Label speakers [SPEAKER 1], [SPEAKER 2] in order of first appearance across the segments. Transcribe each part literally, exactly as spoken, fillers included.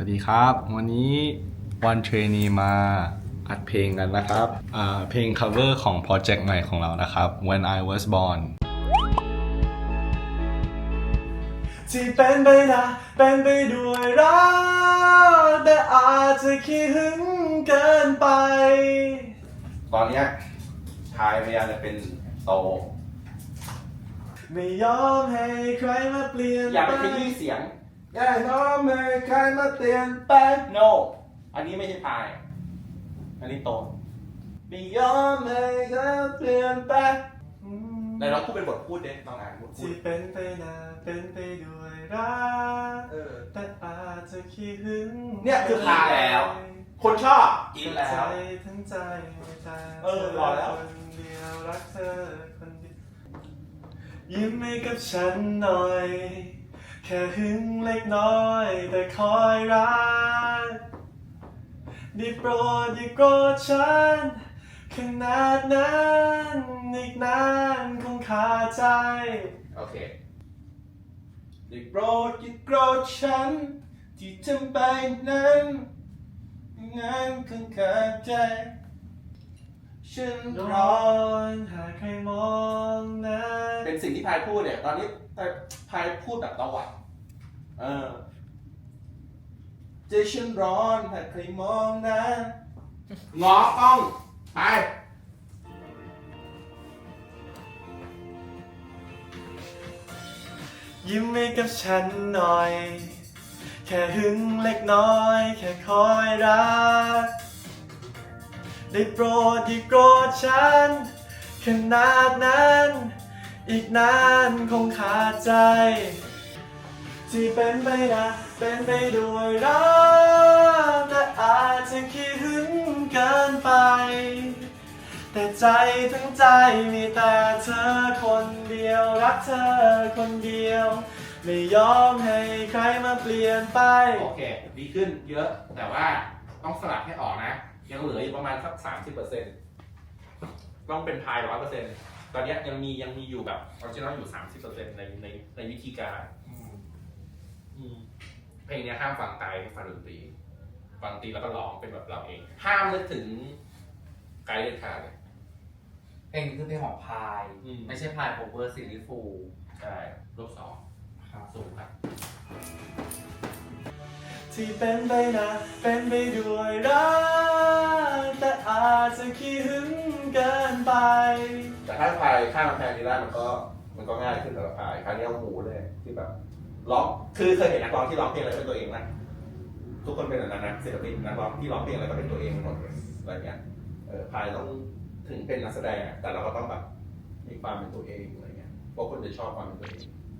[SPEAKER 1] วัสดีครับวันนี้วันเทรนนีมาอัดเพลงกันนะครับเพลง cover ของโปรเจกต์ใหม่ของเรานะครับ When I Was Born
[SPEAKER 2] ที่เป็นไปนะเป็นไปด้วยรักแต่อาจจะขี้หึงเกินไป
[SPEAKER 3] ตอนเนี้ยชายพยายามจะเป็นโต
[SPEAKER 2] ไม่ยอมให้ใครมาเปลี่ยน
[SPEAKER 3] อย่าไปขยี้เสียงอย่าน้อมให้ใครมาเปลี่ยนไป no อันนี้ไม่ใช่พาย อันนี้โตไม่ยอมให้ใครเปลี่ยนไปในเราพูดเป็นบทพูดเด็กต้องอ่านบทพูด
[SPEAKER 2] ที่เป็นไปนะเป็นไปด้วยรัก
[SPEAKER 3] เออ
[SPEAKER 2] แต่อาจจะขี้หึง
[SPEAKER 3] เนี่ยคือพายแล้ว คนชอบกินแล้
[SPEAKER 2] ใจ
[SPEAKER 3] ว
[SPEAKER 2] ทั้งใจไม่ตาย
[SPEAKER 3] เออรอแล้ว
[SPEAKER 2] คนเดียวรักเธอคนเดียวยิ้มให้กับฉันหน่อยแค่หึงเล็กน้อยแต่คอยรักได้โปรดอย่าโกรธฉันขนาดนั้นอีกนานคงขาดใจ
[SPEAKER 3] โอเคได้โปรดอย่าโกรธฉันที่ทำไปนั้นงานคงขาดใจฉันร
[SPEAKER 2] ร้
[SPEAKER 3] อ
[SPEAKER 2] อนหากใครมองนะ
[SPEAKER 3] เป็นสิ่งที่พายพูดเนี่ยตอนนี้พายพูดแบบตะวัดเออใจฉันร้อนหากใครมองนะงอต้องไป
[SPEAKER 2] ยิ้มให้กับฉันหน่อยแค่หึงเล็กน้อยแค่คอยรักได้โปรดอย่าโกรธฉันขนาดนั้นอีกนานคงขาดใจที่เป็นไปนะเป็นไปด้วยรักแต่อาจจะขี้หึงเกินไปแต่ใจทั้งใจมีแต่เธอคนเดียวรักเธอคนเดียวไม่ยอมให้ใครมาเปลี่ยนไป
[SPEAKER 3] โอเคดีขึ้นเยอะแต่ว่าต้องสลับให้ออกนะยังเหลืออยู่ประมาณสักสามสิบเปอร์เซ็นต์ต้องเป็นพายร้อยเปอร์เซ็นต์ตอนนี้ยังมียังมีอยู่แบบออริจินอลอยู่สามสิบเปอร์เซ็นต์ในในในวิธีการอืมเพลงนี้ห้ามฟังไตให้ฟังดนตรีฟังดนตรีแล้วก็ร้องเป็นแบบเราเอง ห้ามนึกถึงไกด์เด็ดขาดเลย
[SPEAKER 4] เพลงนี้คือเพลงของพาย
[SPEAKER 3] อืม
[SPEAKER 4] ไม่ใช่พายโคเวอร์ซีรีส์ฟูล
[SPEAKER 3] ใช่รูปสองสูงครับ
[SPEAKER 2] ที่เป็นไปนะเป็นไปด้วยรักแต่อาจจะขี้หึงเกินไป
[SPEAKER 3] แต่ถ้าพายข้ามกำแพงนี้ได้มันก็มันก็ง่ายขึ้นสำหรับพายคราวนี้เอาหมูเลยที่แบบร้องคือเคยเห็นนักร้องที่ร้องเพลงอะไรเป็นตัวเองไหมทุกคนเป็นแบบนั้นนะศิลปินนักร้องที่ร้องเพลงอะไรก็เป็นตัวเองหมดเลยอะไรเงี้ยเออพายต้องถึงเป็นนักแสดงอะแต่เราก็ต้องแบบมีความเป็นตัวเองอะไรเงี้ยเพราะคนจะชอบความเป็นตัวเอง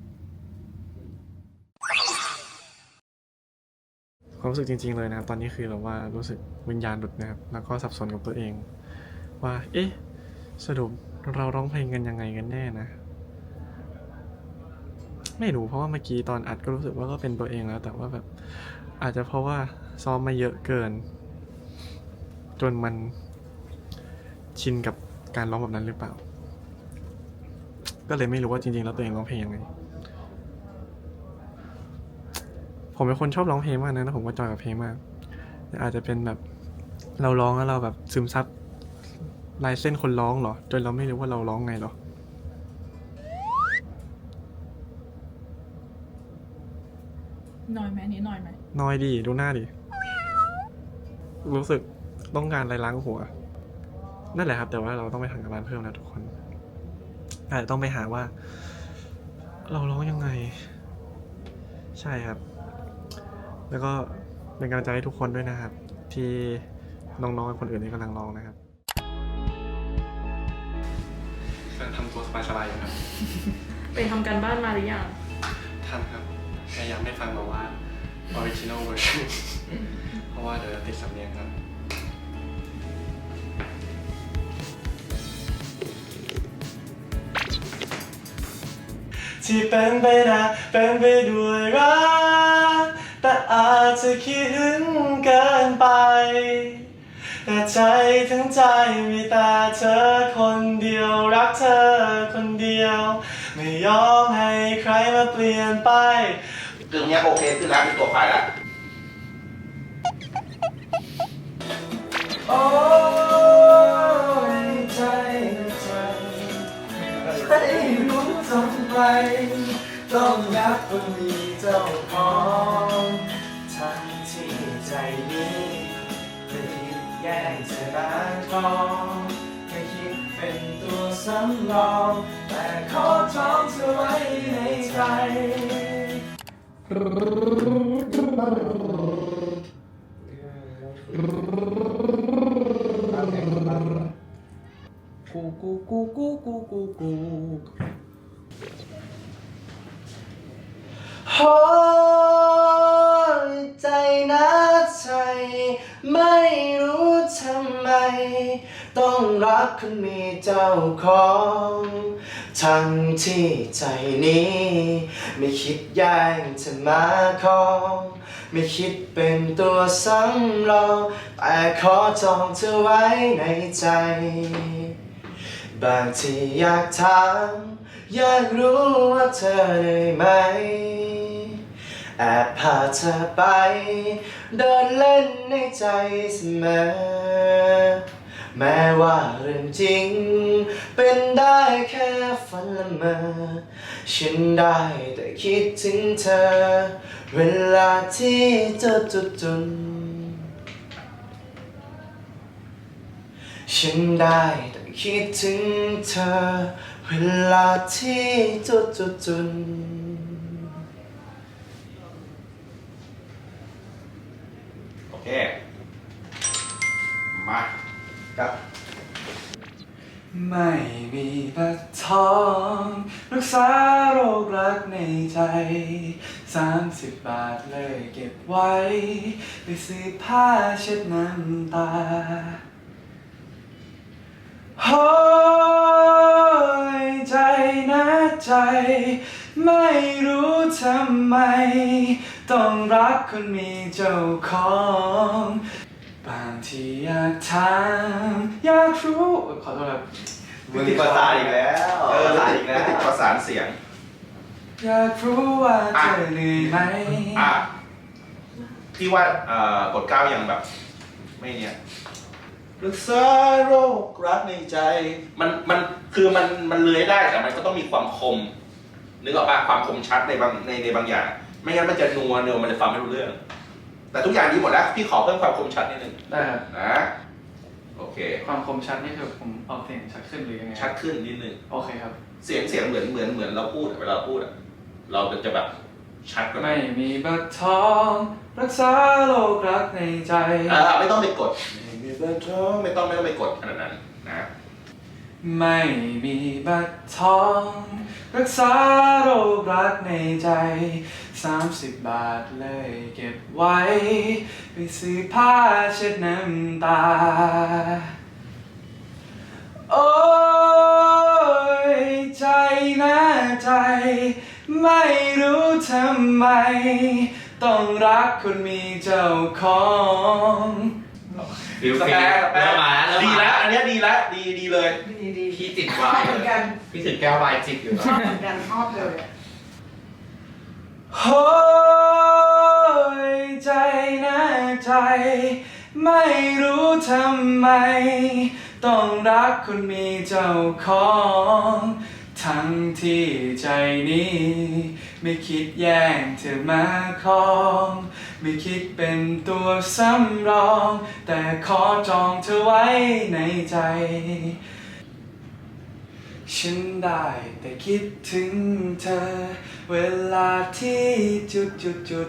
[SPEAKER 5] ความรู้สึกจริงๆเลยนะครับตอนนี้คือแบบว่ารู้สึกวิญญาณหลุดนะครับแล้วก็สับสนกับตัวเอง ว่าเอ๊ะสรุปเราร้องเพลงกันยังไงกันแน่นะ ไม่รู้เพราะว่าเมื่อกี้ตอนอัดก็รู้สึกว่าก็เป็นตัวเองแล้ว แต่ว่าแบบอาจจะเพราะว่าซ้อมมาเยอะเกิน จนมันชินกับการร้องแบบนั้นหรือเปล่า ก็เลยไม่รู้ว่าจริงๆแล้วตัวเองร้องเพลงยังไงผมเป็นคนชอบร้องเพลงมากนะแล้วผมก็จอยกับเพลงมากแต่อาจจะเป็นแบบเราร้องแล้วเราแบบซึมซับลายเส้นคนร้องเหรอจนเราไม่รู้ว่าเราร้องไงหรอ
[SPEAKER 6] น้อยไหมนี้น้อยไหม
[SPEAKER 5] น้อยดีดูหน้าดิรู้สึกต้องการอะไรล้างหัวนั่นแหละครับแต่ว่าเราต้องไปทำการบ้านเพิ่มแล้วทุกคนอาจจะต้องไปหาว่า เราร้องยังไงใช่ครับแล้วก็เป็นกำลังใจให้ทุกคนด้วยนะครับ ที่น้องๆคนอื่นที่กำลังร้องนะครับทำตัวสบายๆอยู่ครับ
[SPEAKER 6] ไปทำการบ้านมาหรือยัง
[SPEAKER 5] ทำครับพยายามไม่ฟังแบบว่า original version เพราะว่าเดี๋ยวจะติดสำเนียงครับ
[SPEAKER 2] ที่เป็นไปนะเป็นไปด้วยรักแต่อาจจะขี้หึงเกินไปแต่ใจทั้งใจมีแต่เธอคนเดียวรักเธอคนเดียวไม่ยอมให้ใครมาเปลี่ยนไป
[SPEAKER 3] เรื่องนี้โอเคขึ้นแล้วเป็นตัวพายแล้ว
[SPEAKER 2] โอ้ยใจใจไม่รู้ทำไมต้องรักคนมีเจ้าของทั้งที่ใจนี้ไม่คิดแย่งเธอมาครองไม่คิดเป็นตัวสำรองแต่ขอจองเธอไว้ในใจ
[SPEAKER 4] กูกูกูกูกูกูกู
[SPEAKER 2] โอ้ยใจนะใจไม่รู้ทำไมต้องรักคนมีเจ้าของทั้งที่ใจนี้ไม่คิดแย่งเธอมาครองไม่คิดเป็นตัวสำรองแต่ขอจองเธอไว้ในใจบางทีอยากถามอยากรู้ว่าเธอได้ไหมแอบพาเธอไปเดินเล่นในใจเสมอแม้ว่าเรื่องจริงเป็นได้แค่ฝันละเมอฉันได้แต่คิดถึงเธอเวลาที่เจอจุดจุนฉันได้แต่คิดถึงเธอเวลาที่จุดจุดจุน
[SPEAKER 3] โอเค มาครับ
[SPEAKER 2] ไม่มีบัตรทองรักษาโรครักในใจสามสิบบาทเลยเก็บไว้ไปซื้อผ้าเช็ดน้ำตาโอ้ยใจนะใจไม่รู้ทำไมต้องรักคนมีเจ้าของบางทีอยากถามอยากรู้ขอโทษครับ
[SPEAKER 3] มึงติดประสานอีกแล้วเออติดติดประสานเสียง
[SPEAKER 2] อยากรู้ว่าเธอเหนื่อยไหม
[SPEAKER 3] อ่ะพี่ว่าเอ่อกดเก้ายังแบบ ไม่เนี่ยรักษาโรครักในใจ มันมันคือมันมันเลื้อยได้แต่มันก็ต้องมีความคมนึกออกป่ะความคมชัดในบางในในบางอย่าง ไม่งั้นมันจะนัวเนียวมันจะฟังไม่รู้เรื่อง แต่ทุกอย่างดีหมดแล้วพี่ขอเพิ่มความคมชัดนิดนึง
[SPEAKER 5] ได้ครับ
[SPEAKER 3] นะโอเค
[SPEAKER 5] ความคมชัดนี่คือผมออกเสียงชัดขึ้นหรือยังไง
[SPEAKER 3] ชัดขึ้นนิดนึง
[SPEAKER 5] โอเคครับ
[SPEAKER 3] เสียงเสียงเหมือนเหมือนเหมือนเราพูดอะเวลาเราพูดอะเราจะแบบชัดกว่า
[SPEAKER 5] ไม่มีบัตรทองรักษาโรครักในใจ
[SPEAKER 3] อ่าไม่ต้องไปกดไม่มีเบอร์โทรไม่ต้องไม่ต้องไปกดขนาดนั้นนะ
[SPEAKER 2] ไม่มีบัตรทองรักษาโรครักในใจสามสิบบาทเลยเก็บไว้ไปซื้อผ้าเช็ดน้ำตาโอ้ยใจนะใจไม่รู้ทำไมต้องรักคนมีเจ้าของ
[SPEAKER 3] ฟิลฟิลเริ่มมาแล้วดีแล้วอันเนี้ยดีแล้วดีดีเลย
[SPEAKER 4] ดีดีพี่ติดวายเหมือนกันพี่ติดแก้ววายจิบอยู่นะ
[SPEAKER 7] ชอบเหมือนกันชอบเลย
[SPEAKER 2] โอ้ยใจนะใจไม่รู้ทำไมต้องรักคนมีเจ้าของทั้งที่ใจนี้ไม่คิดแย่งเธอมาครองไม่คิดเป็นตัวสำรองแต่ขอจองเธอไว้ในใจฉันได้แต่คิดถึงเธอเวลาที่จุดจุดจุด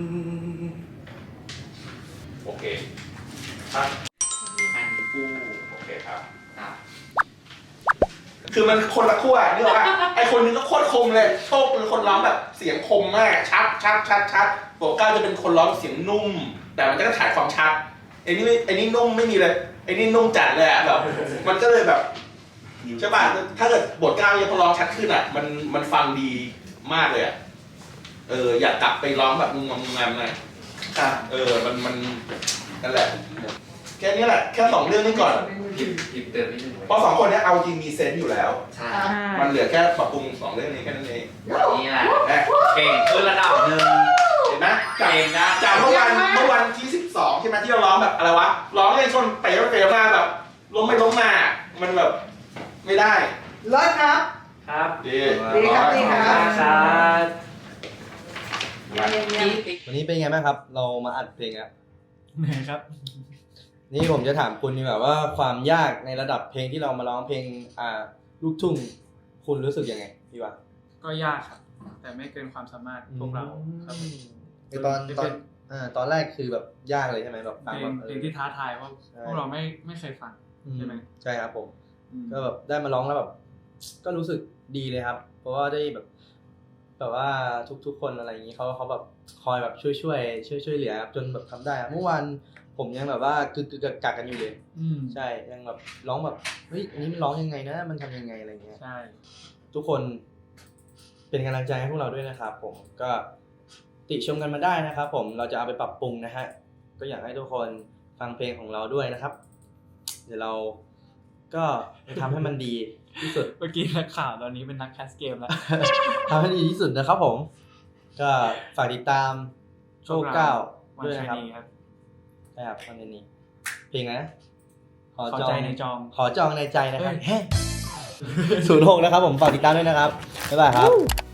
[SPEAKER 3] โอเคครับ
[SPEAKER 4] อันกู้
[SPEAKER 3] โอเคครับ
[SPEAKER 4] อ่ะ
[SPEAKER 3] คือมันคนละขั้วเรียกว่าไอคนนึงก็โคตรคมเลยโชคเป็นคนร้องแบบเสียงคมมากชัดชัดชัดชัดโบก้าจะเป็นคนร้องเสียงนุ่ม แต่มันก็จะขาดความชัดไอ้นี่ไอ้นี่นุ่มไม่มีเลยไอ้นี่นุ่มจัดเลยอะแบบมันก็เลยแบบใช่ป่ะถ้าเกิดบทก้าวยังพอร้องชัดขึ้นอ่ะมันมันฟังดีมากเลยอ่ะเอออยากกลับไปร้องแบบงงงงๆหน่อย
[SPEAKER 2] ครับ
[SPEAKER 3] เออมันมันนั่นแหละแค่นี้แหละแค่สองเรื่องนี้ก่อน
[SPEAKER 4] พิมพ์พิมพ์เติมนิดนึงไว้
[SPEAKER 3] เพราะสองคนเนี้ยเอาจริงมีเซนส์อยู่แล้ว
[SPEAKER 4] ใช่
[SPEAKER 3] มันเหลือแค่ปรับปรุงสองเรื่องนี้แค่นั้นเอง
[SPEAKER 4] นี่แหละ
[SPEAKER 3] แน่
[SPEAKER 4] เก่งขึ้นระดับหนึ่ง
[SPEAKER 3] เอห็นไหมจากจากเมื่อวันเมื่อวันที่สิบสองใช่ไหมที่เราร้องแบบอะไรวะร้องเล่นชนเป๋เป๋มาแบบล้มไม่ล้มมามันแบบไม่ได้
[SPEAKER 7] เลิศครับ
[SPEAKER 2] ครับ
[SPEAKER 3] ดี
[SPEAKER 7] ดีครับดีครับ
[SPEAKER 2] ครับ
[SPEAKER 8] วันนี้เป็นไงบ้างครับ เรามาอัดเพลงครับ
[SPEAKER 2] เหนื่อยครับ
[SPEAKER 8] นี่ผมจะถามคุณดีกว่าว่าความยากในระดับเพลงที่เรามาร้องเพลงอ่าลูกทุ่งคุณรู้สึกยังไงพี่วะ
[SPEAKER 2] ก็ยากครับ แต่ไม่เกินความสามารถพวกเราครับ
[SPEAKER 8] คือตอนตอนอ่าตอนแรกคือแบบยากเลยใช่ไหมแบบฟัง
[SPEAKER 2] เพล
[SPEAKER 8] แบ
[SPEAKER 2] ง
[SPEAKER 8] บ
[SPEAKER 2] เพลงที่ท้าทายเพราะพวกเราไม่ไม่เคยฟัง ใช่ไหม
[SPEAKER 8] ใช่ครับผม
[SPEAKER 2] อืม
[SPEAKER 8] ก็แบบได้มาร้องแล้วแบบก็รู้สึกดีเลยครับ เพราะว่าได้แบบแบบว่าทุกๆคนอะไรอย่างนี้เขาเขาแบบคอยแบบช่วยช่วยช่วยช่วยเหลือครับจนแบบทำได้ครับเมื่อวานผมยังแบบว่ากึกกึกกักกักกันอยู่เลย
[SPEAKER 2] อืม
[SPEAKER 8] ใช่ยังแบบร้องแบบเฮ้ยอันนี้มันร้องยังไงนะ มันทำยังไงอะไรเงี้ย
[SPEAKER 2] ใช่
[SPEAKER 8] ทุกคนเป็นกำลังใจให้พวกเราด้วยนะครับ ผมก็ติชมกันมาได้นะครับผมเราจะเอาไปปรับปรุงนะฮะก็อยากให้ทุกคนฟังเพลงของเราด้วยนะครับ เดี๋ยวเราก็จะทำให้มันดีที่สุด
[SPEAKER 2] เมื่อกี้นักข่าวตอนนี้เป็นนักแคสเกมแล้ว
[SPEAKER 8] ทำให้ดีที่สุดนะครับผม ก็ฝากติดตามโชคเก้า
[SPEAKER 2] วัน
[SPEAKER 8] ด้วย
[SPEAKER 2] ชา
[SPEAKER 8] นะครับ
[SPEAKER 2] นีครับ
[SPEAKER 8] ใช่ครับวันนี้เพลงอะไรนะ
[SPEAKER 2] ขอใจในจอง
[SPEAKER 8] ขอจองในใจนะครับ
[SPEAKER 2] เฮ้ย
[SPEAKER 8] ศูนย์หกนะครับผมฝากติดตามด้วยนะครับบ๊ายบายครับ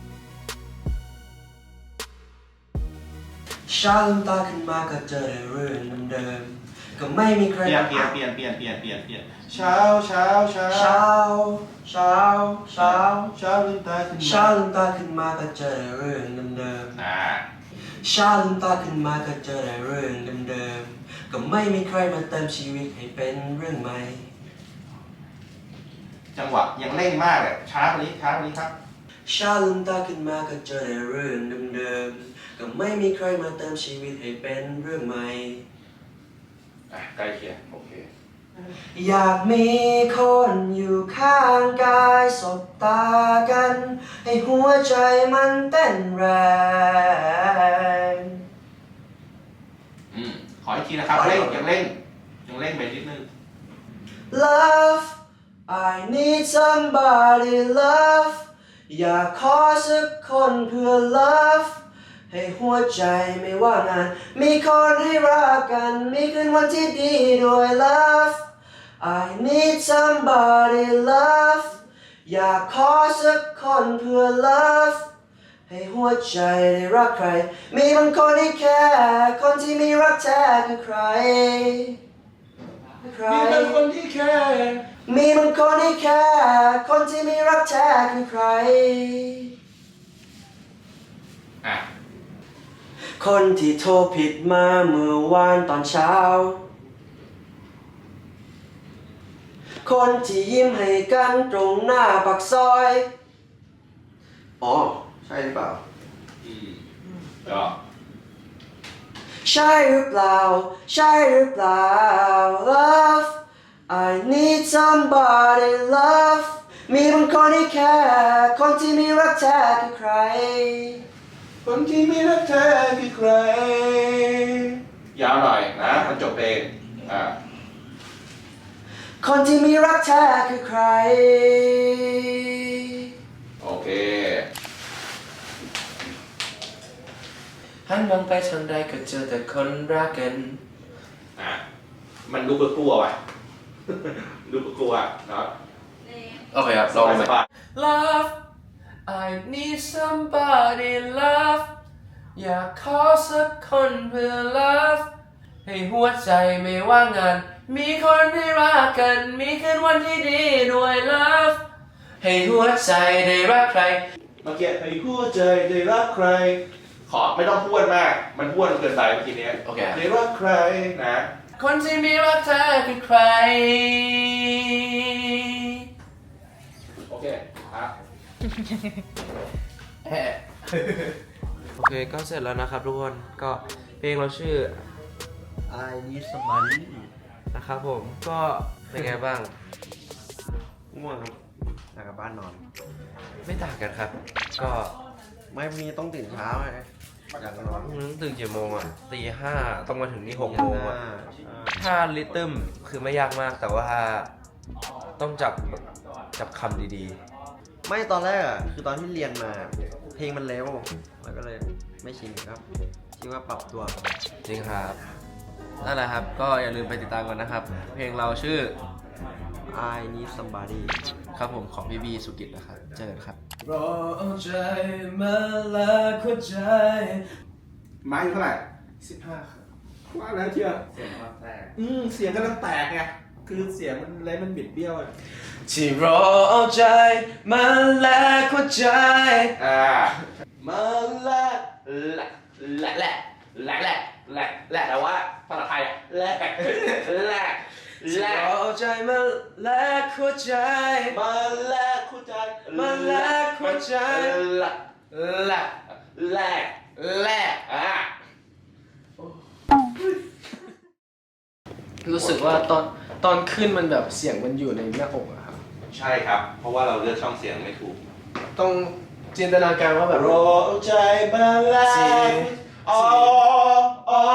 [SPEAKER 7] เช้าลืมตาขึ้นมาก็เจอแต่เรื่องเดิมๆก็ไม่มีใคร
[SPEAKER 3] เปลี่ยนเปลี่ยนเปลี่ยนเปลี่ยนเปลี่ยนเปลี่ยนเปลี่ยนเช้าเช้าเช้า
[SPEAKER 7] เช้าเช้าเช้า
[SPEAKER 3] เช้าลืมตาขึ้นมา
[SPEAKER 7] เช้าลืมตาขึ้นมาก็เจอแต่เรื่องเดิม
[SPEAKER 3] อ่า
[SPEAKER 7] ๆเช้าลืมตาขึ้นมาก็เจอแต่เรื่องเดิมๆก็ไม่มีใครมาเติมชีวิตให้เป็นเรื่องใหม่
[SPEAKER 3] จังหวะยังเร่งมากเลยช้ากว่านี้ช้ากว่านี้ครับ
[SPEAKER 7] เช้าลืมตาขึ้นมาก็เจอแต่เรื่องเดิมๆก็ไม่มีใครมาเติมชีวิตให้เป็นเรื่องใหม่
[SPEAKER 3] อ่ะใกล้เคียงโอเค
[SPEAKER 7] อยากมีคนอยู่ข้างกายสบตากัน ให้หัวใจมันเต้นแรง
[SPEAKER 3] อืมขออีกทีนะครับเร่งยังเร่งยังเร่งไปนิดนึง
[SPEAKER 7] Love I need somebody love อยากขอสักคนเพื่อ love ให้หัวใจไม่ว่างาน มีคนให้รักกัน มีคืนวันที่ดีด้วย love I need somebody love อยากขอสักคนเพื่อ love ให้หัวใจได้รักใคร มีบางคนที่แค่คนที่มีรักแท้คือใครใคร
[SPEAKER 3] มีบางคนที่แค่
[SPEAKER 7] มีบางคนที่แค่คนที่มีรักแท้คือใคร
[SPEAKER 3] อ่ะ
[SPEAKER 7] คนที่โทรผิดมาเมื่อวานตอนเช้า คนที่ยิ้มให้กันตรงหน้าปากซอย อ๋อ ใช่หรือเปล่า
[SPEAKER 3] อืมก็
[SPEAKER 7] ใช่หรือเปล่า ใช่หรือเปล่า Love I need somebody love มีบางคนที่แค่คนที่มีรักแท้คือใคร
[SPEAKER 3] คนที่มีรักแท้คือใคร ยาวหน่อยนะมันจบเพลงอ่า
[SPEAKER 7] คนที่มีรักแท้คือใคร
[SPEAKER 3] โอเค
[SPEAKER 7] หันมองไปทางใดก็เจอแต่คนรักกัน
[SPEAKER 3] อ่ะมันดูกลัวๆว่ะ ดูกลัวๆเนาะ
[SPEAKER 4] โอเคครับลอง
[SPEAKER 3] ส
[SPEAKER 4] ไป
[SPEAKER 3] บาย
[SPEAKER 7] Love I need somebody love อยากขอสักคนเพื่อ love ให้หัวใจไม่ว่างงาน มีคนให้รักกัน มีคืนวันที่ดีด้วย love ให้หัวใจได้รักใคร
[SPEAKER 3] เมื่อกี้ให้หัวใจได้รักใคร ขอไม่ต้องพูดมาก มันพูดเกินไปเมื่อกี้เนี้ย
[SPEAKER 4] โอเค
[SPEAKER 3] ได้รักใครนะ
[SPEAKER 7] คนที่มีรักแท้คือใคร
[SPEAKER 3] โอเคครับ
[SPEAKER 9] โอเคก็เสร็จแล้วนะครับทุกคนก็เพลงเราชื่อ I Need Somebody นะครับผมก็เป็นไงบ้าง
[SPEAKER 8] ง่วงครับอยากกลับบ้านนอน
[SPEAKER 9] ไม่ต่างกันครับ ก็
[SPEAKER 8] ไม่มีต้องตื่นเช้าไงอยากนอน
[SPEAKER 9] พรุ่งนี้ตื่นกี่โมงอ่ะตีห้าต้องมาถึงนี่หกโมงอ่ะถ้าลิทึมคือไม่ยากมากแต่ว่าต้องจับจับคำดี
[SPEAKER 8] ไม่ตอนแรกอ่ะคือตอนที่เรียนมา เพลงมันเร็วมันก็เลยไม่ชินครับ ท
[SPEAKER 9] คิดว่าปรับตัวจริงครับนั่นแหละครับก็อย่าลืมไปติดตามกันนะครับ เพลงเราชื่อ I Need Somebody ครับผมของพี่บีสุกิจนะครับเจอกันครับ
[SPEAKER 2] รอเอาใจมาละหัวใจ
[SPEAKER 3] ไม้เท่าไหร่
[SPEAKER 2] สิบห้าครับว่าแล้วเชียว
[SPEAKER 3] เสียงมันแตก
[SPEAKER 2] อืมเสียงกำลังแตกไงคือเสียงมันอะไรมันบิดเบี้ยวอะ
[SPEAKER 7] ที่รอเอาใจมาแลกหัวใจ
[SPEAKER 3] อ่า
[SPEAKER 7] มาแลก
[SPEAKER 3] แหละแหละแหละแหละแหละแหละแหละแต่ว่าภาษาไทยอะแหละแหละ
[SPEAKER 7] ที่
[SPEAKER 3] แหละ
[SPEAKER 7] รอเอาใจมาแลกหัวใจ
[SPEAKER 2] มาแลกหัวใจ
[SPEAKER 7] มาแลกหัวใจ
[SPEAKER 3] แหละแหละแหละแหละอ่า
[SPEAKER 10] รู้สึกว่าตอนตอนขึ้นมันแบบเสียงมันอยู่ในหน้าอกอะครับ
[SPEAKER 3] ใช่ครับ เพราะว่าเราเลือกช่องเสียงไม่ถูก
[SPEAKER 10] ต้องจินตนาการว่าแบบ
[SPEAKER 2] รอเอาใจมาแลกอ๋ออ๋อ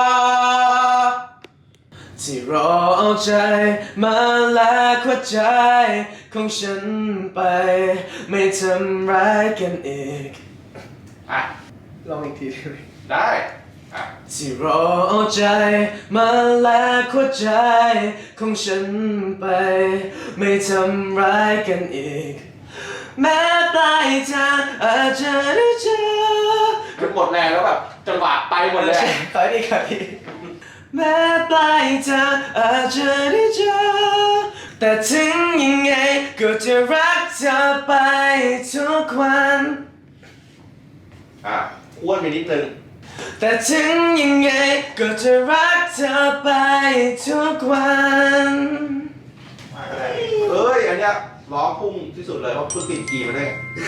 [SPEAKER 7] ที่รอเอาใจมาแลกหัวใจของฉันไป ไม่ทำร้ายกันอีก
[SPEAKER 3] อ่ะ
[SPEAKER 10] ลองอีกทีได้ไหม
[SPEAKER 3] ได้อ่ะ
[SPEAKER 7] ที่รอเอาใจมาแลกหัวใจของฉันไป ไม่ทำร้ายกันอีก แม้ปลายทางอาจจะได้เจอ
[SPEAKER 3] มันหมดแรงแล้วแบบจังหวะไปหมดเลย
[SPEAKER 7] ขอดีขอดีแม้ปลายทางอาจจะได้เจอแต่ถึงยังไงก็จะรักเธอไปทุกวัน
[SPEAKER 3] อ่ะอ้วนไปนิดนึง
[SPEAKER 7] แต่ถึงยังไงก็จะรักเธอไปทุกวัน
[SPEAKER 3] เอ้ย อันเนี้ยร้องพุ่งที่สุดเลยเพราะเพิ่งติดกีมาด้วย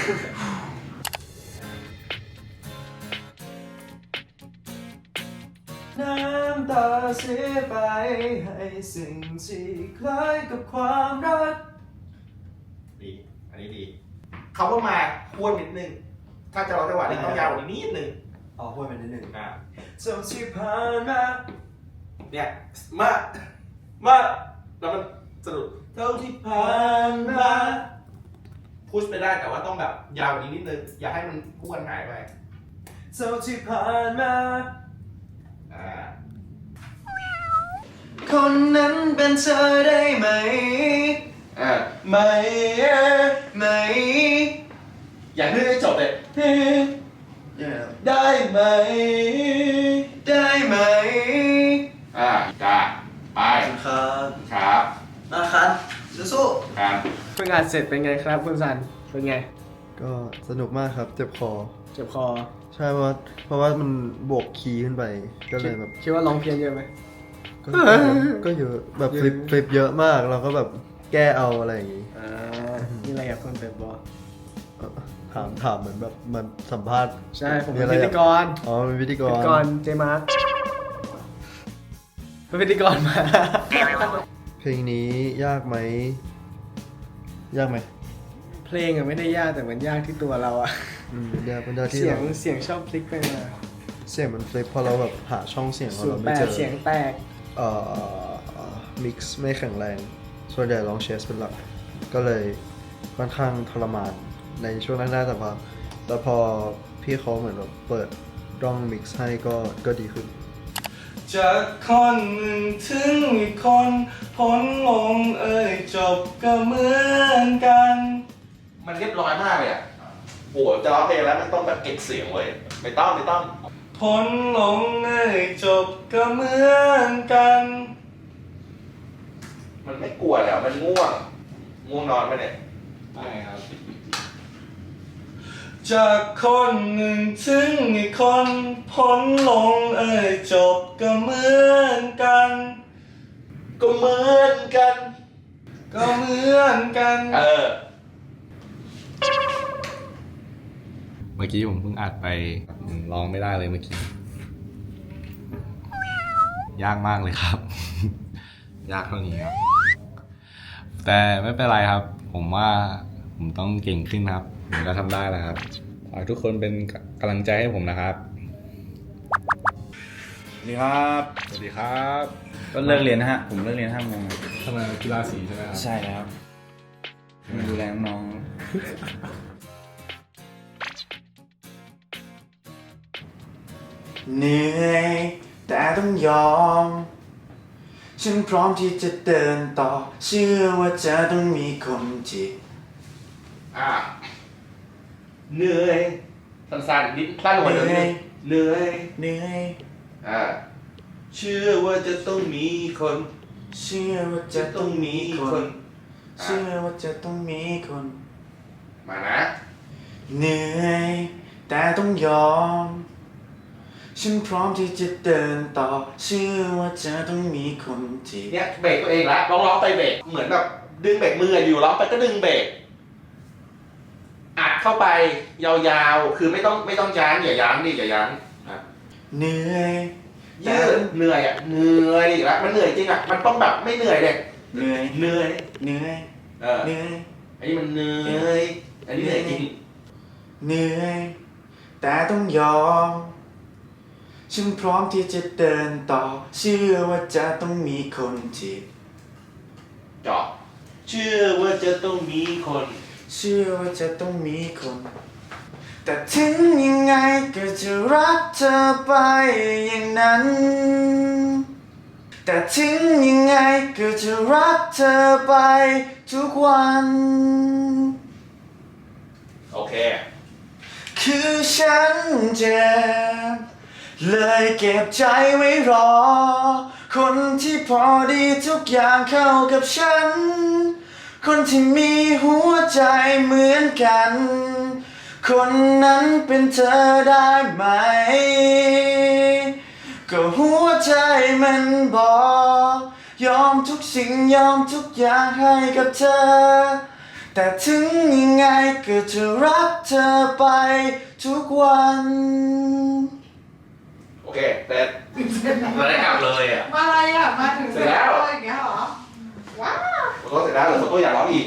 [SPEAKER 7] น้ำตาเสียไปให้สิ่งที่คล้ายกับความรัก
[SPEAKER 3] ดี อันนี้ดีเขาก็มาอ้วนนิดนึง ถ้าจะร้องจังหวะนี้ต้องยาวกว่านี้นิดนึง
[SPEAKER 7] อ๋อพูดไปนิดหนึ่ง
[SPEAKER 3] อ่ะ
[SPEAKER 7] เท่าที่ผ่านมา
[SPEAKER 3] เนี่ย มามาแล้วมันสรุป
[SPEAKER 7] เท่าที่ผ่านมา
[SPEAKER 3] พุชไปได้แต่ว่าต้องแบบยาวกว่านี้นิดนึง อย่าให้มันอ้วนหายไป
[SPEAKER 7] เท่าที่ผ่านมา
[SPEAKER 3] อ่า
[SPEAKER 7] คนนั้นเป็นเธอได้ไหม
[SPEAKER 3] อ่า
[SPEAKER 7] ไม่ไม่
[SPEAKER 3] อย่าเพิ่งให้จบเลย
[SPEAKER 7] ได้ไหม ได้ไหม
[SPEAKER 3] อ่าจ้าไป
[SPEAKER 7] ครับ
[SPEAKER 3] ครับ
[SPEAKER 7] นะครับสู้
[SPEAKER 3] ครับ
[SPEAKER 10] เพิ่งอ่านเสร็จเป็นไงครับคุณซันเป็นไง
[SPEAKER 11] ก็สนุกมากครับ เจ็บคอ
[SPEAKER 10] เจ็บคอ
[SPEAKER 11] ใช่เพราะว่าเพราะว่ามันบวกคีย์ขึ้นไปก็เลยแบบ
[SPEAKER 10] คิดว่าร้องเพี้ยนเยอะไหม
[SPEAKER 11] ก็ก็เยอะแบบฟลิปฟลิปเยอะมากเราก็แบบแก้เอาอะไรอย่างงี้
[SPEAKER 10] อ่ามีอะไรอยากเพิ่มเติมบอ
[SPEAKER 11] เอ่อถามถามเหมือนแบบเหมันสัมภาษณ์
[SPEAKER 10] ใช่ผม
[SPEAKER 11] มี
[SPEAKER 10] เป็น
[SPEAKER 11] อะไร
[SPEAKER 10] พิ
[SPEAKER 11] อยา
[SPEAKER 10] ธีกร
[SPEAKER 11] อ๋อเป็นพิธีก
[SPEAKER 10] พิ
[SPEAKER 11] ร
[SPEAKER 10] ธีกรเจมาร์คเป็นพิธีกรมา
[SPEAKER 11] เพลงนี้ยากไหมยากไหม
[SPEAKER 10] เพลงอะไม่ได้ยากแต่มันยากที่ตัวเราอะ
[SPEAKER 11] อืมยากเป็นยากที่
[SPEAKER 10] เสียง
[SPEAKER 11] เรา
[SPEAKER 10] เสียงชอบพลิกไปมา
[SPEAKER 11] เสียงมันฟลิปพอเราแบบหาช่องเสียงของ
[SPEAKER 10] สู
[SPEAKER 11] เรา
[SPEAKER 10] งแป
[SPEAKER 11] ไม่เจ
[SPEAKER 10] ด
[SPEAKER 11] อ
[SPEAKER 10] เสียงแตก
[SPEAKER 11] เอ่อมิกซ์ไม่แข็งแรง ส่วนใหญ่ลองเชสเป็นหลัก ก็เลยค่อนข้างทรมานในช่วงแรกๆแต่พอแต่พอพี่เขาเหมือนแบบเปิดร่องมิกซ์ให้ก็ก็ดีขึ้น
[SPEAKER 7] จากคนหนึ่งถึงอีกคนพ้นลงเอ่ยจบก็เหมือนกัน
[SPEAKER 3] มันเรียบร้อยมากเลยอ่ะโหจะร้องเพลงแล้วมันต้องแบบเก็บเสียงเว้ยไม่ต้องไม่ต้อง
[SPEAKER 7] พ้นลงเอ่ยจบก็เหมือนกัน
[SPEAKER 3] มันไม่กลัวแล้วมันง่วง ง่วงนอนไปเนี่ย
[SPEAKER 1] ไม่ครับ
[SPEAKER 7] จากคนหนึ่งถึงอีกคนพ้นลงเอ่ยจบก็เหมือนกัน
[SPEAKER 3] ก็เหมือนกัน
[SPEAKER 7] ก็เหมือนกัน
[SPEAKER 3] เออ
[SPEAKER 1] เมื่อกี้ผมเพิ่งอัดไปอืมร้องไม่ได้เลยเมื่อกี้ ยากมากเลยครับ ยากเท่านี้ครับ แต่ไม่เป็นไรครับ ผมว่าผมต้องเก่งขึ้นครับ ผมก็ทำได้แล้วครับ ขอให้ทุกคนเป็นกำลังใจให้ผมนะครับ
[SPEAKER 2] สวัสดีครับ
[SPEAKER 1] สวัสดีครับ
[SPEAKER 2] ก็เลิกเรียนนะฮะ ผมเลิกเรียนห้าโมง
[SPEAKER 1] ทำไมกีฬาสีใช่ไหมครับ
[SPEAKER 2] ใช่แล้วมาดูแลน้องเหนื่อยแต่ต้องยอมฉันพร้อมที่จะเดินต่อเชื่อว่าจะต้องมีคนที่
[SPEAKER 3] อ่าเหนื่อยสั้นๆนิดสั้นกว่า
[SPEAKER 2] เห
[SPEAKER 3] เดิ
[SPEAKER 2] นื่อย
[SPEAKER 3] มเหนื่อย
[SPEAKER 2] เหนื่อย
[SPEAKER 3] อ่าเชื่อว่าจะต้องมีคน
[SPEAKER 2] เชื่อว่าจะต้องมีคน เชื่อว่าจะต้องมีคน
[SPEAKER 3] มานะ
[SPEAKER 2] เหนื่อยแต่ต้องยอมฉันพร้อมที่จะเดินต่อเชื่อว่าจะต้องมีคนที่
[SPEAKER 3] เนี่ยเบรกตัวเองละร้องร้องไปเบรกเหมือนแบบดึงเบรกมืออยู่ร้องไปก็ดึงเบรกอัดเข้าไปยาวๆคือไม่ต้องไม่ต้องยั้งอย่ายั้งดิอย่ายั้งอ่ะ
[SPEAKER 2] เหนื่อย
[SPEAKER 3] ยืดเหนื่อยอ่ะเหนื่อยอีกแล้วมันเหนื่อยจริงอ่ะมันต้องแบบไม่เหนื่อยเลย
[SPEAKER 2] เหนื่อย
[SPEAKER 3] เหนื่อย
[SPEAKER 2] เหนื่อย
[SPEAKER 3] เออ
[SPEAKER 2] เหนื่อย
[SPEAKER 3] อันนี้มันเหนื่อยอันนี้เหนื่อยจริง
[SPEAKER 2] เหนื่อยแต่ต้องยอมฉันพร้อมที่จะเดินต่อเชื่อว่าจะต้องมีคนที่
[SPEAKER 3] เจาะเชื่อว่าจะต้องมีคน
[SPEAKER 2] เชื่อว่าจะต้องมีคน แต่ถึงยังไงก็จะรักเธอไปอย่างนั้น แต่ถึงยังไงก็จะรักเธอไปทุกวัน
[SPEAKER 3] โอเค
[SPEAKER 2] คือฉันเจ็บเลยเก็บใจไว้รอ คนที่พอดีทุกอย่างเข้ากับฉัน คนที่มีหัวใจเหมือนกัน คนนั้นเป็นเธอได้ไหม ก็หัวใจมันบอก ยอมทุกสิ่งยอมทุกอย่างให้กับเธอ แต่ถึงยังไงก็จะรักเธอไปทุกวัน
[SPEAKER 3] โอเคเสร็จเราได้กลับเลยอ่ะ
[SPEAKER 12] มาอะไรอ่ะ มาถึง
[SPEAKER 3] เสร็จแล้ว
[SPEAKER 12] อย่างเงี้ยเหรอ ว้าว
[SPEAKER 3] โฟโต้เสร็จแล้วเหรือโฟโต้อยากร้องอีก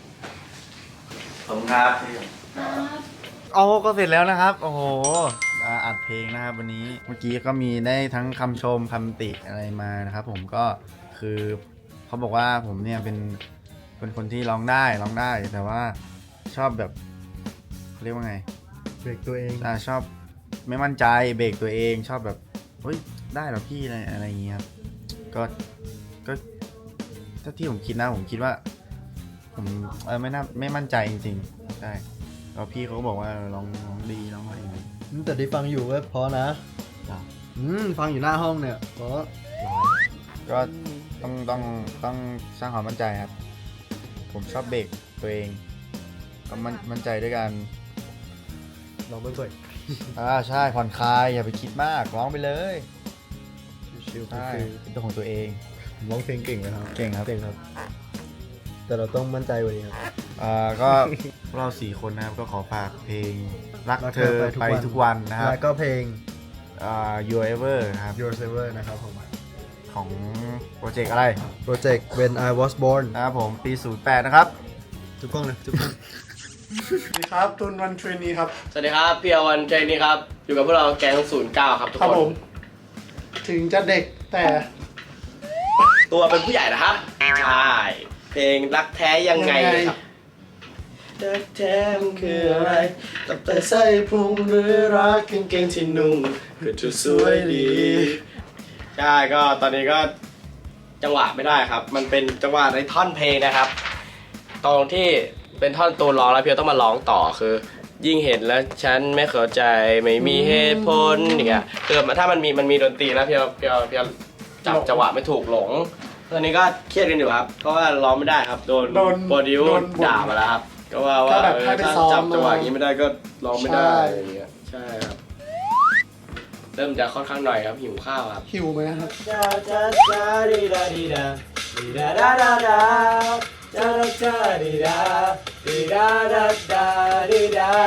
[SPEAKER 2] ผมครับ
[SPEAKER 13] โอ้ก็เสร็จแล้วนะครับ โอ้โหอ่าอัดเพลงนะครับวันนี้เมื่อกี้ก็มีได้ทั้งคำชมคำติอะไรมานะครับ ผมก็คือเขาบอกว่าผมเนี่ยเป็นเป็นคนที่ร้องได้ร้องได้ แต่ว่าชอบแบบเขาเรียกว่าไง
[SPEAKER 11] เบรกตัวเอง
[SPEAKER 13] อ่าชอบไม่มั่นใจเบรกตัวเองชอบแบบเฮ้ยได้เหรอพี่อะไรอะไรอย่างเงี้ยครับก็ก็ถ้าที่ผมคิดนะผมคิดว่า ผมเออไม่น่าไม่มั่นใจจริงๆใช่แล้วพี่เขาก็บอกว่าลองลองดีลองอะไรอย่างเงี้ย
[SPEAKER 11] แต่ได้ฟังอยู่ว่าเพราะนะ อืมฟังอยู่หน้าห้องเนี่ยเพราะ
[SPEAKER 13] ก็ต้องต้องต้องสร้างความมั่นใจครับ ผมชอบเบรกตัวเองก็มั่นมั่นใจด้วยกัน
[SPEAKER 11] ลองไปก่อน
[SPEAKER 13] อ่าใช่ผ่อนคลายอย่าไปคิดมากร้องไปเลย
[SPEAKER 11] ชิวๆ
[SPEAKER 13] ใช่
[SPEAKER 11] คือ
[SPEAKER 13] เป็นตัวของตัวเอง
[SPEAKER 11] ผมร้องเพลงเก่งนะครับ
[SPEAKER 13] เก่งครับ
[SPEAKER 11] เก่งครับ แต่เราต้องมั่นใจกว่านี้ครับ
[SPEAKER 13] อ่าก็พวกเราสี่คนนะครับก็ขอฝากเพลงรักเธอไปทุกวันนะครับ
[SPEAKER 11] แล้วก็เพลง
[SPEAKER 13] อ่า Your Ever นะครับ
[SPEAKER 11] Your Saver นะครับผม
[SPEAKER 13] ของโปรเจกต์อะไร
[SPEAKER 11] โปรเจกต์ When I Was Born
[SPEAKER 13] นะครับผมปีศูนย์แปดนะครับ
[SPEAKER 11] ทุกกล้องนะทุกกล้อง
[SPEAKER 2] สวัสดีครับตุนวันเทรนนีครับ
[SPEAKER 10] สวัสดีครับพี่อวันเจนี่ครับ อยู่กับพวกเราแก๊งศูนย์เก้าครับทุก
[SPEAKER 2] ครับ
[SPEAKER 10] ค
[SPEAKER 2] ผ
[SPEAKER 10] น
[SPEAKER 2] ม ถึงจะเด็กแต่
[SPEAKER 10] ตัวเป็นผู้ใหญ่นะครับ ใช่ เพลงรักแท้ยังไงนะครับ รักแท้มันคืออะไรตับแต่ไส้พุงหรือรักกางเกงที่นุ่งก็จะสวยดี ใช่ก็ตอนนี้ก็จังหวะไม่ได้ครับ มันเป็นจังหวะในท่อนเพลงนะครับ ตรงที่เป็นท่อนตูนร้องแล้วเพียวต้องมาร้องต่อคือ ยิ่งเห็นแล้วฉันไม่เข้าใจไม่มีเหตุผลอย่างเงี้ยคือถ้ามันมีมันมีดนตรีแล้วเพียวเพียวเพียวจับจังหวะไม่ถูกหลงตอนนี้ก็เครียดกันอยู่ครับเพราะว่าร้องไม่ได้ครับโดน
[SPEAKER 2] โดน
[SPEAKER 10] โปรดิว
[SPEAKER 2] โดนบ่น
[SPEAKER 10] ด่ามาแล้วครับก็ว่าว่า
[SPEAKER 2] ถ้าแบบ
[SPEAKER 10] เออ
[SPEAKER 2] ให้ไป
[SPEAKER 10] ถ้า
[SPEAKER 2] ซ้อม
[SPEAKER 10] จับจังหวะอย่างนี้ไม่ได้ก็ร้องไม่ได้
[SPEAKER 2] ใช่
[SPEAKER 10] อย่างเงี้ยใช่ครับเริ่มจะค่อนข้างหน่อยครับหิวข้าวครับ
[SPEAKER 2] หิวไหมครับ
[SPEAKER 10] ดาดาดาดีดาดีดาดีดาดาดาดาดาดาดีดาดีดาดาดาดีดา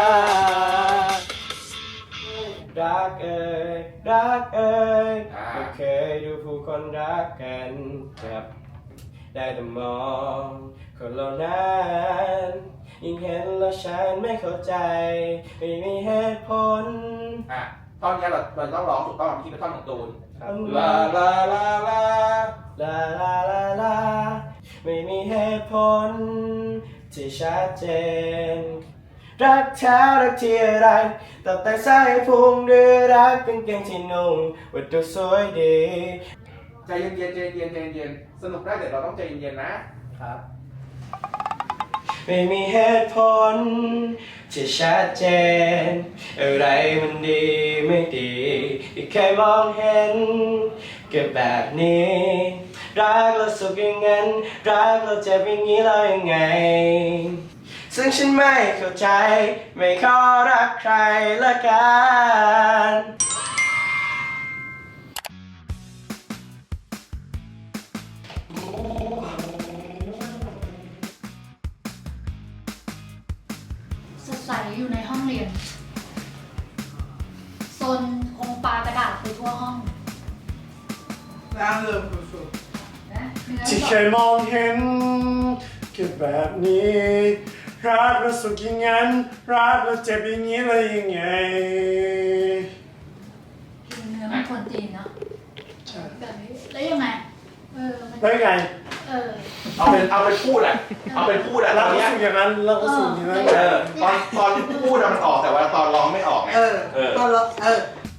[SPEAKER 10] รักเอ่ยรักเอ่ยก็เคยดูผู้คนรักกันครับได้แต่มองคนเหล่านั้นยิ่งเห็นแล้วฉันไม่เข้าใจไม่มีเหตุผล
[SPEAKER 3] อ่ะตอนนี้เราเราต้องร้องถูกต้องที่เป็นท่อนของตูน
[SPEAKER 10] ลาลาลาลาลาลาลาลาไม่มีเหตุผลที่ชัดเจน
[SPEAKER 7] รักแท้รักที่อะไรตับแต่ไส้พุงหรือรักกางเกงที่นุ่งว่าดูสวยดี
[SPEAKER 3] ใจเย็นๆใจเย็นๆใจเย็นๆสนุกได้แต่เราต้องใจเย็นๆนะครับ
[SPEAKER 7] ไม่มีเหตุผลที่ชัดเจนอะไรมันดีไม่ดีที่เคยมองเห็นก็แบบนี้รักแล้วสุขอย่างนั้นรักแล้วเจ็บอย่างนี้แล้วยังไงซึ่งฉันไม่เข้าใจไม่ขอรักใครละกัน
[SPEAKER 14] สดใสอยู่ในห้องเรียนโซนคงปากระดาษไปทั่วห้อง
[SPEAKER 2] น่าเริ่มสุด
[SPEAKER 14] นะเนื้อ
[SPEAKER 2] ที่เคยมองเห็นคือแบบนี้รักแล้วสุขอย่างนั้นรักแล้วเจ็บอย่างนี้เลยยังไง
[SPEAKER 14] เนื้อมันควรตีนเนาะแบบนี้แล้วยังไงเออมัน
[SPEAKER 2] แล้วไง
[SPEAKER 14] เออ
[SPEAKER 3] เอาเป็นเอาเป็นพูดอะเอาเป็นพูดอะต
[SPEAKER 2] รั
[SPEAKER 3] อก น
[SPEAKER 2] แล้ว
[SPEAKER 3] เนี้ย
[SPEAKER 2] สุขอย่างนั้นรักแล้วสุขอย่างนั้น
[SPEAKER 3] เออตอนตอนพูดอะมันออกแต่ว่าตอนร้องไม่ออกไง
[SPEAKER 2] เออ
[SPEAKER 3] เออ
[SPEAKER 2] ตอนเราเออ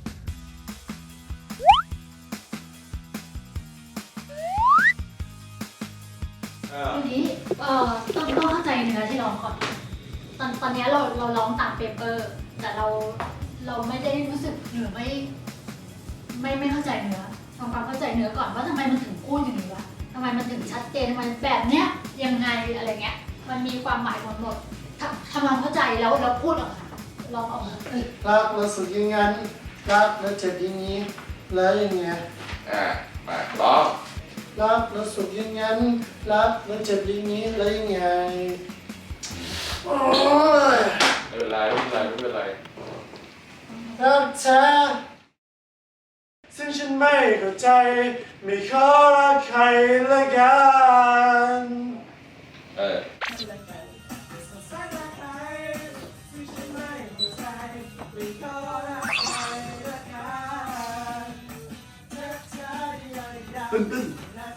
[SPEAKER 3] เออ
[SPEAKER 14] ทีนี้เออต้องต้องเข้าใจเนื้อที่ร้องก่อนตอนตอนเนี้ยเราเราร้องตามเปเปอร์ แต่เราเราไม่ได้รู้สึกหรือไม่ ไม่ไม่เข้าใจเนื้อทำความเข้าใจเนื้อก่อนว่าทำไมมันถึงพูดอย่างนี้วะทำไมมันถึงชัดเจนทำไมแบบเนี้ยยังไงอะไรเงี้ยมันมีความหมายหมดหมดทำทำความเข้าใจแล้วแล้วพูดออกมาลองออกมาเออ
[SPEAKER 2] รักแล้วสุขอย่างนั้นรักแล้วเจ็บอย่างนี้แล้วยังไง
[SPEAKER 3] อ่ามาร้อง
[SPEAKER 2] รักแล้วสุขอย่างนั้นรักแล้วเจ็บอย่างนี้แล้วยังไงโอ้ย
[SPEAKER 3] ไม่เป็นไรไม่เป็นไรไม่เป็นไร
[SPEAKER 2] รักเธอซึ่งฉันไม่เข้าใจไม่ขอรักใครละกัน
[SPEAKER 3] เออ
[SPEAKER 2] ตึ้งตึ้ง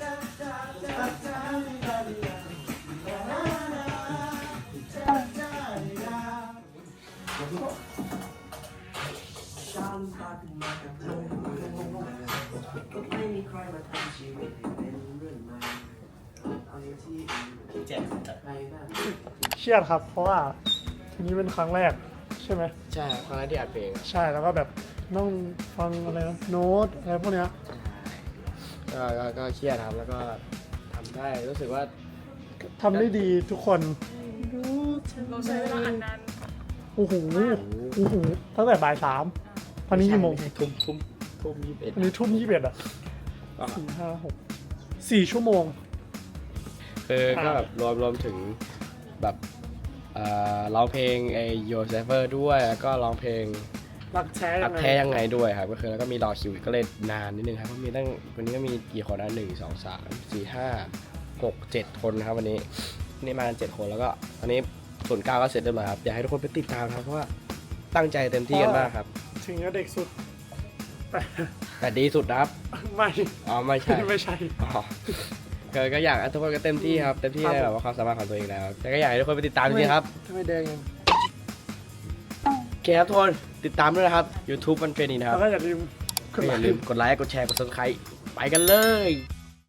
[SPEAKER 5] เครียดครับ เพราะว่าทีนี้เป็นครั้งแรกใช่ไหม
[SPEAKER 9] ใช่ครับครั้งแรกที่อัดเพลง
[SPEAKER 5] ใช่แล้วก็แบบต้องฟังอะไรนะโน้ตอะไรพวกเนี้ย
[SPEAKER 9] ก็ก็ก็เครียดครับแล้วก็ทำได้รู้สึกว่า
[SPEAKER 5] ทำได้ดีทุกคน
[SPEAKER 6] เราใช้เวลาอันนาน
[SPEAKER 5] โอ้โหโอ้โหตั้งแต่บ่ายสามตอนนี้กี่โมง
[SPEAKER 9] ทุ่มทุ่มทุ่มยี่สิบเอ็ด
[SPEAKER 5] อันนี้ทุ่มยี่สิบเอ็ดอ่ะสี่ห้าหกสี่ชั่วโมง
[SPEAKER 9] คือก็แบบรวมรวมถึงแบบเอ่อร้องเพลงไอโยเซฟเฟอร์ด้วยแล้วก็ร้องเพลง
[SPEAKER 5] รักแท้
[SPEAKER 9] รั
[SPEAKER 5] ยั
[SPEAKER 9] ก
[SPEAKER 5] งไง
[SPEAKER 9] แท้ยังไงด้วยครับก็คือแล้วก็มีรอคิวอีกก็เลยนานนิดนึงครับเพราะมีตั้งวันนี้ก็มีกี่คนนะหนึ่งสองสามสี่ห้าหกเจ็ดคนนะครับวันนี้วันนี้มากันเจ็ดคนแล้วก็ตอนนี้ส่วนย์เก้าก็เสร็จเรียบร้อยครับอยากให้ทุกคนไปติดตามครับเพราะว่าตั้งใจเต็มที่กันมากครับ
[SPEAKER 5] ถึงจะเด็กสุด แต่
[SPEAKER 9] แต่ดีสุดนะครับ
[SPEAKER 5] ไม่
[SPEAKER 9] อ๋อไม่ใช่
[SPEAKER 5] ไม่ใช่
[SPEAKER 9] อ๋อก็ก็อยากให้ทุกคนก็เต็มที่ครับเต็มที่ในแบบว่าความสามารถของตัวเองแล้วแต่ก็อยากให้ทุกคนไปติดตามจริงๆครับ
[SPEAKER 5] ทำไมแดงยัง
[SPEAKER 9] โอเคครับทุกคนติดตามด้วยนะครับ YouTube มันเป็นนี้นะครับ
[SPEAKER 5] แล้วก็อย่าลืม
[SPEAKER 9] ก็อย่าลืมกดไลค์กดแชร์กด ซับสไครบ์ ไปกันเลย